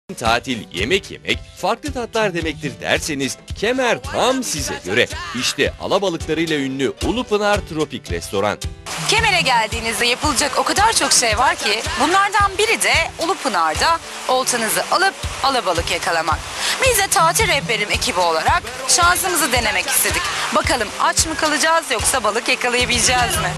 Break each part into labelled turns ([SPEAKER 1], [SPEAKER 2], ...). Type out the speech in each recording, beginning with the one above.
[SPEAKER 1] Tatil, yemek yemek, farklı tatlar demektir derseniz Kemer tam size göre. İşte alabalıklarıyla ünlü Ulupınar Tropik Restoran.
[SPEAKER 2] Kemer'e geldiğinizde yapılacak o kadar çok şey var ki bunlardan biri de Ulupınar'da oltanızı alıp alabalık yakalamak. Biz de tatil rehberim ekibi olarak şansımızı denemek istedik. Bakalım aç mı kalacağız yoksa balık yakalayabileceğiz mi?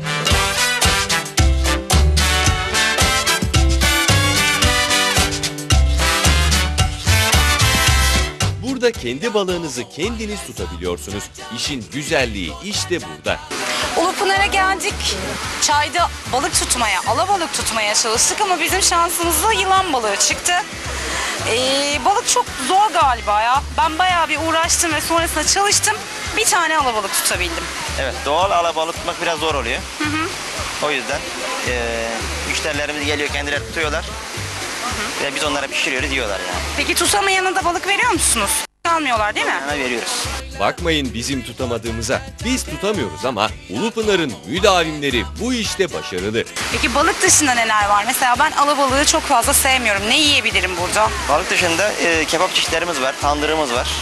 [SPEAKER 1] Burada kendi balığınızı kendiniz tutabiliyorsunuz. İşin güzelliği işte burada.
[SPEAKER 2] Ulupınar'a geldik. Çayda balık tutmaya, alabalık tutmaya çalıştık ama bizim şansımızla yılan balığı çıktı. Balık çok zor galiba ya. Ben bayağı bir uğraştım ve sonrasında çalıştım. Bir tane alabalık tutabildim.
[SPEAKER 3] Evet, doğal alabalık tutmak biraz zor oluyor. O yüzden müşterilerimiz geliyor, kendileri tutuyorlar. Ve biz onlara pişiriyoruz, yiyorlar yani.
[SPEAKER 2] Peki tutamayanı da balık veriyor musunuz? Almıyorlar değil mi?
[SPEAKER 3] Ona veriyoruz.
[SPEAKER 1] Bakmayın bizim tutamadığımıza. Biz tutamıyoruz ama Ulupınar'ın müdavimleri bu işte başarılı.
[SPEAKER 2] Peki balık dışında neler var? Mesela ben alabalığı çok fazla sevmiyorum. Ne yiyebilirim burada?
[SPEAKER 3] Balık dışında kebap çeşitlerimiz var, tandırımız var.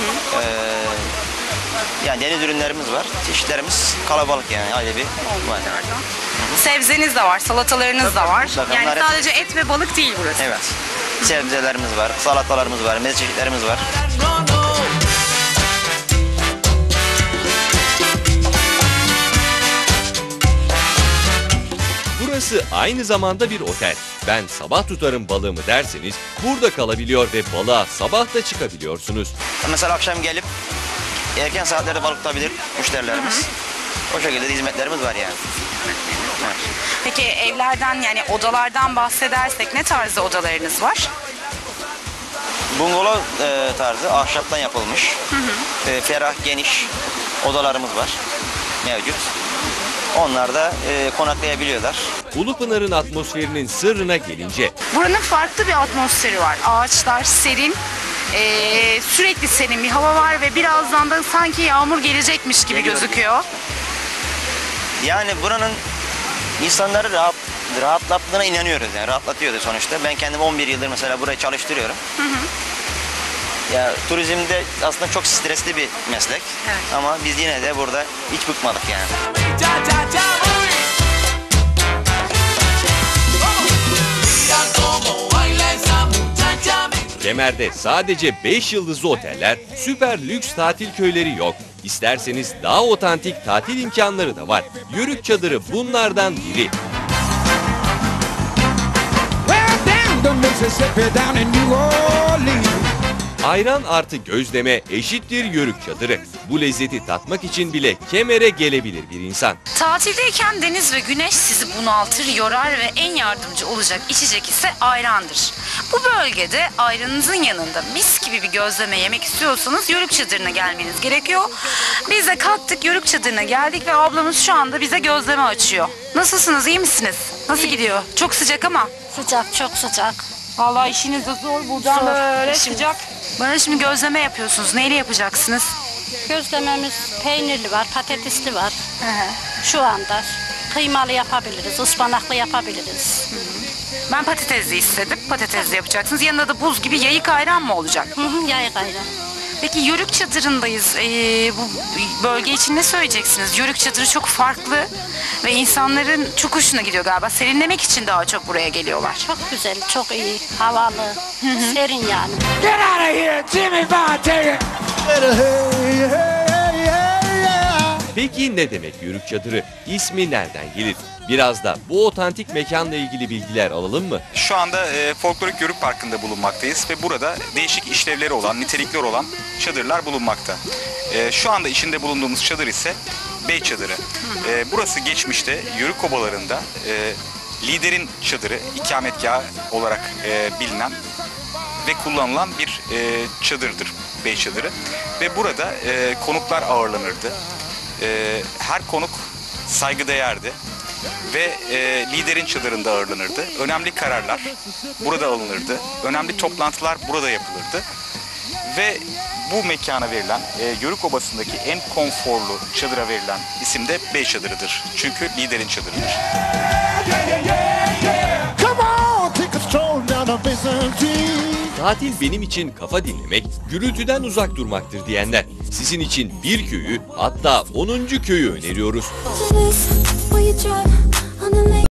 [SPEAKER 3] Yani deniz ürünlerimiz var. Çeşitlerimiz kalabalık yani, aile bir var.
[SPEAKER 2] Sebzeniz de var, salatalarınız da var.
[SPEAKER 3] mutlaka.
[SPEAKER 2] Yani
[SPEAKER 3] Bunlar hep-
[SPEAKER 2] sadece et ve balık değil burası.
[SPEAKER 3] Evet. Sebzelerimiz var, salatalarımız var, meze çeşitlerimiz var.
[SPEAKER 1] Burası aynı zamanda bir otel. Ben sabah tutarım balığımı derseniz burada kalabiliyor ve balığa sabah da çıkabiliyorsunuz.
[SPEAKER 3] Mesela akşam gelip erken saatlerde balık tutabilir müşterilerimiz. O şekilde de hizmetlerimiz var yani. Evet.
[SPEAKER 2] Peki evlerden yani odalardan bahsedersek ne tarzda odalarınız var?
[SPEAKER 3] Bungalov tarzı ahşaptan yapılmış. Ferah, geniş odalarımız var mevcut. Onlar da konaklayabiliyorlar.
[SPEAKER 1] Ulupınar'ın atmosferinin sırrına gelince
[SPEAKER 2] Buranın farklı bir atmosferi var. Ağaçlar serin, sürekli serin bir hava var ve birazdan da sanki yağmur gelecekmiş gibi
[SPEAKER 3] Geliyor.
[SPEAKER 2] gözüküyor.
[SPEAKER 3] Yani buranın insanları rahatlattığına inanıyoruz yani, rahatlatıyordu sonuçta. Ben kendim 11 yıldır mesela burayı çalıştırıyorum. Ya turizmde aslında çok stresli bir meslek.
[SPEAKER 2] Evet.
[SPEAKER 3] Ama biz yine de burada hiç bıkmadık yani.
[SPEAKER 1] Kemer'de sadece 5 yıldızlı oteller, süper lüks tatil köyleri yok. İsterseniz daha otantik tatil imkanları da var. Yörük çadırı bunlardan biri.
[SPEAKER 4] Well, down the Mississippi, down in New Orleans.
[SPEAKER 1] Ayran artı gözleme eşittir yörük çadırı. Bu lezzeti tatmak için bile Kemer'e gelebilir bir insan.
[SPEAKER 2] Tatildeyken deniz ve güneş sizi bunaltır, yorar ve en yardımcı olacak içecek ise ayrandır. Bu bölgede ayranınızın yanında mis gibi bir gözleme yemek istiyorsanız Yörük Çadırı'na gelmeniz gerekiyor. Biz de kalktık, Yörük Çadırı'na geldik ve ablamız şu anda bize gözleme açıyor. Nasılsınız, iyi misiniz? Nasıl gidiyor? Çok sıcak ama.
[SPEAKER 5] Sıcak, çok sıcak.
[SPEAKER 2] Vallahi işiniz de zor, buradan
[SPEAKER 5] Zor,
[SPEAKER 2] böyle
[SPEAKER 5] işimiz.
[SPEAKER 2] sıcak. Bana şimdi gözleme yapıyorsunuz. Neyle yapacaksınız?
[SPEAKER 5] Gözlememiz peynirli var, patatesli var. Şu anda kıymalı yapabiliriz, ıspanaklı yapabiliriz.
[SPEAKER 2] Ben patatesli istedim. Patatesli yapacaksınız. Yanında da buz gibi yayık ayran mı olacak?
[SPEAKER 5] Yayık ayran.
[SPEAKER 2] Peki Yörük Çadırı'ndayız. Bu bölge için ne söyleyeceksiniz? Yörük Çadırı çok farklı ve insanların çok hoşuna gidiyor galiba. Serinlemek için daha çok buraya geliyorlar.
[SPEAKER 5] Çok güzel, çok iyi, havalı, serin yani.
[SPEAKER 4] Get out of here, Jimmy Bond, take it. Hey, hey, hey, yeah.
[SPEAKER 1] Peki ne demek yörük çadırı? İsmi nereden gelir? Biraz da bu otantik mekanla ilgili bilgiler alalım mı?
[SPEAKER 6] Şu anda Folklorik Yörük Parkı'nda bulunmaktayız ve burada değişik işlevleri olan, nitelikleri olan çadırlar bulunmakta. Şu anda içinde bulunduğumuz çadır ise Bey Çadırı. Burası geçmişte Yörük obalarında liderin çadırı, ikametgahı olarak bilinen ve kullanılan bir çadırdır Bey Çadırı. Ve burada konuklar ağırlanırdı. Her konuk saygıdeğerdi. Ve liderin çadırında ağırlanırdı. Önemli kararlar burada alınırdı. Önemli toplantılar burada yapılırdı. Ve bu mekana verilen, Yörük Obası'ndaki en konforlu çadıra verilen isim de Bey Çadırı'dır. Çünkü liderin çadırıdır.
[SPEAKER 4] Come on, take a stroll down the Byzantine.
[SPEAKER 1] Tatil benim için kafa dinlemek, gürültüden uzak durmaktır diyenler. Sizin için bir köyü, hatta 10. köyü öneriyoruz.